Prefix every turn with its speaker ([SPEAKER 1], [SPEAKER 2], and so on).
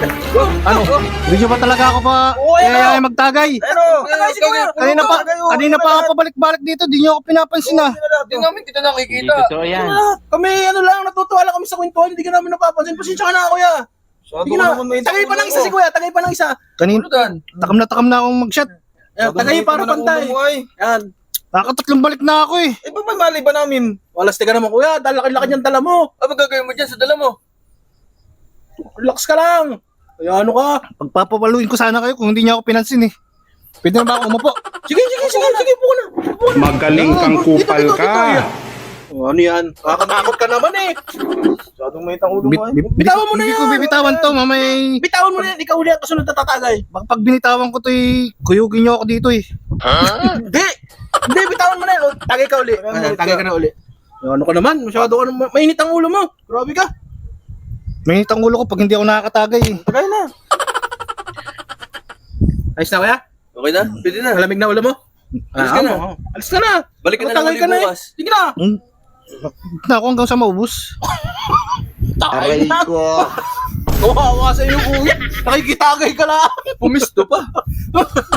[SPEAKER 1] Ano? Hindi nyo ba talaga ako pa kaya magtagay? Kanina pa ako pabalik-balik dito, di nyo ako pinapansin na.
[SPEAKER 2] Hindi namin kita nakikita.
[SPEAKER 3] Totoo yan.
[SPEAKER 4] Kami ano lang, natutuwa lang kami sa kwentuhan, hindi ka namin napapansin. Pasensya ka na kuya. Sige na, tagay pa ng isa si kuya, tagay pa ng isa.
[SPEAKER 1] Kanina, takam na akong mag-shot.
[SPEAKER 4] Tagay para pantay. Yan.
[SPEAKER 1] Nakatatlong balik na ako eh.
[SPEAKER 4] Eh, ba mali ba namin? Walas ka naman kuya, dahil laki-laki niyang dala mo.
[SPEAKER 2] Ano gagawin mo dyan sa dala mo?
[SPEAKER 4] Relax ka lang. Kaya ano ka?
[SPEAKER 1] Pagpapaluin ko sana kayo kung hindi niya ako pinansin eh. Pwede na ba ako umupo?
[SPEAKER 4] Sige, po na.
[SPEAKER 5] Magaling kang kupal ka.
[SPEAKER 4] Oh, ano yan? Nakakatakot ka naman eh. Masyadong may tangulo mo eh. Bitawan mo na
[SPEAKER 1] Hindi
[SPEAKER 4] yan.
[SPEAKER 1] ko bibitawan to, mamay.
[SPEAKER 4] Bitawan mo na yan. Ikaw uli ang kasunod na tatatagay.
[SPEAKER 1] Baka pag binitawan ko to eh, kuyugin niyo ako dito eh.
[SPEAKER 4] Hindi, bitawan mo na yan. O, tagay ka uli. Tagay ka na uli. Ano ka naman? Masyado ka naman. Mainit ang ulo mo. Grabe ka.
[SPEAKER 1] Mainit ang ulo ko pag hindi ako nakakatagay eh.
[SPEAKER 4] Tagay na. Ayos na kaya?
[SPEAKER 2] Okay na? Pwede na.
[SPEAKER 4] Malamig na ulo mo?
[SPEAKER 2] Alis ka na.
[SPEAKER 4] Alis ka na.
[SPEAKER 2] Balik ka na lang
[SPEAKER 4] Tagay
[SPEAKER 2] ulit
[SPEAKER 4] na eh.
[SPEAKER 2] bukas.
[SPEAKER 4] Sige na.
[SPEAKER 1] Na ako hanggang sa maubos.
[SPEAKER 4] Aray ko. Kawawa sa iyo kuya. Nakikitagay ka lang.
[SPEAKER 2] Pumisto pa.